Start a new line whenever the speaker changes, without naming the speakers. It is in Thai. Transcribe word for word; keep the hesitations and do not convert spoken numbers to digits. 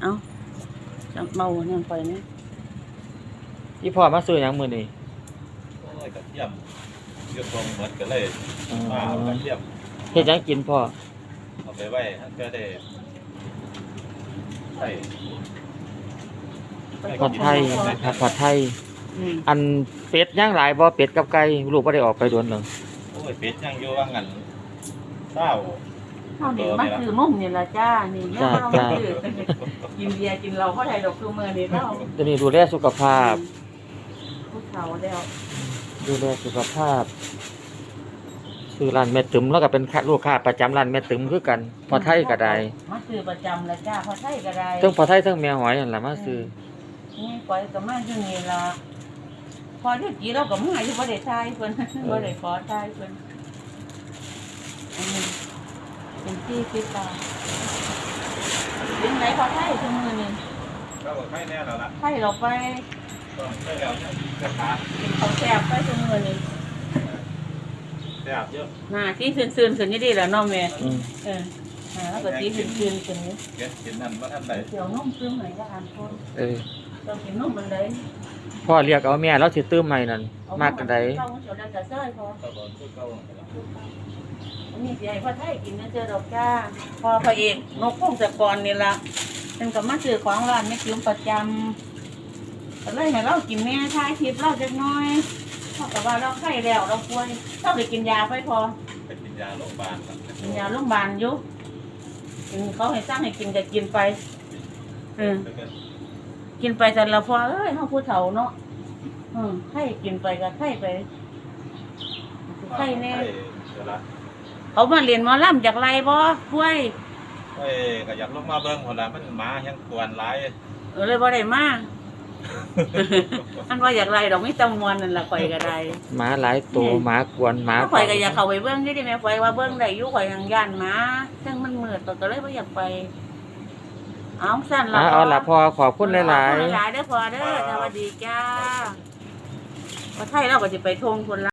เอ้าจังเมาเนี่ยไปนี่
อีพ่อมาซื้อหยังมื้อนี้
โอ้ยกระเทียมเกี่ยวกับเหมือนกันเลยมาเอากระเทียม
เฮ็ดหยังกินพ่อ
เอาไปไว้ให้ก็ได้ใส่
ผัดไทยผัดผัดไทย
อืม
อันเป็ดย่างหลายบ่เป็ดกับไก่ลูกบ่ได้ออกไปโดนหนึง
โอ้ยเป็ดยังอยู่ว่างั้นเศร้า
เฮานี่มาซื้อมุ่มนี่ล่ะจ้านี่แม่เฮามาซื้อกินเบียร์กินเหล้าเฮาได้ดอกคือมื้อนี้เฮา
ตอนนี้ดูแลสุขภาพ
ผู้เฒ่าแล้ว
ดูแลสุขภาพซื้อร้านแม่ตึมแล้วก็เป็นลูกค้าประจำร้านแม่ตึมคือกันพอไทยก็ได้
มาซื้อประจำล่ะจ้าพอไทยก็ได้
ทั้งพอไทยทั้งแม่หอยนั่นล่ะมาซื้อ
นี่ปล่อยก็มาอยู่นี่ล่ะพอเดี๋ยวกี้เราก็มาอยู่บ่ได้ทายเพิ่นบ่ได้ขอทายเพิ่นอันนี้เป็นที่คิดตาเป็นไหนพอไทยซุมื้อนี้
ก็บอกให้แน่แล้วล่ะ
ไทยเราไป
ก็ใช่แล้วเนี่ยกระทะ
กินข้าวแซ่บไปซุมื้อนี้
แซ่บเยอะ
หน้าที่ซื่นๆขึ้นนี่ดีแล้วเนาะแม่
อืม
เออหาแล้วก็ที่ซื่นๆขึ้นนี่
เก็บกินนั่นว่าท่านใด
เดี๋ยวนุ่มซื้อให้ก็อ่านคน
เออ
ต้องกินนุ่มมันได้
พ่อเรียกเอาแม่แล้วสิตื้มใหม่นั่นมากกันใด
เจ้าเจ้าดันกระเซ้ยพอ
ก็บอกคือเก่า
อันนี้สิให้พ่อไทยกินนะเจอดอกจ้าพอพระเอกนกพงศกรนี่ล่ะเป็นก็มาซื้อของร้านแม่คิ้วประจำก็เลยให้เรากินแม่ทายทิพย์เราจักหน่อยเพราะกับว่าเราไข้แล้วเราป่วยต้องไปกินยาไปพอ
ไปกินยาโรงพยาบาลครับ
กินยาโรงพยาบาลอยู่กินเขาให้สร้างให้กินก็กินไปเออกินไปแต่ละพอเอ้ยเฮาผู้เฒ่าเนาะอืมให้กินไปก็ไข้ไปไข้แน่
เดี๋ยวละ
เขามาเรียนหมอลำจากไรบ่ป่วย
เอ้ยก็อยากลงมาเบิ่งคนละมันหมายังกวนหลาย
เออเลยบ่ได้มา อันว่าอยากไรดอกมีตำมวนนั่นล่ะข่อยก็ได้
หมาหลายตัวหมากวนหมา
ข่อยก็อยากเข้าไปเบิ่งอยู่ดิแม่ข่อยว่าเบิ่งได้อยู่ข่อยยังย่านหมาซึ่งมันมืดก็เลยบ่อยากไปเอาสั่นล่ะ
อ่ะเอาล่ะพ่อขอบคุณหลาย
ขอบคุณหลายๆเด้อพ่อเด้อสวัสดีจ้าพอไทยเราก็สิไปทงพุ่นละ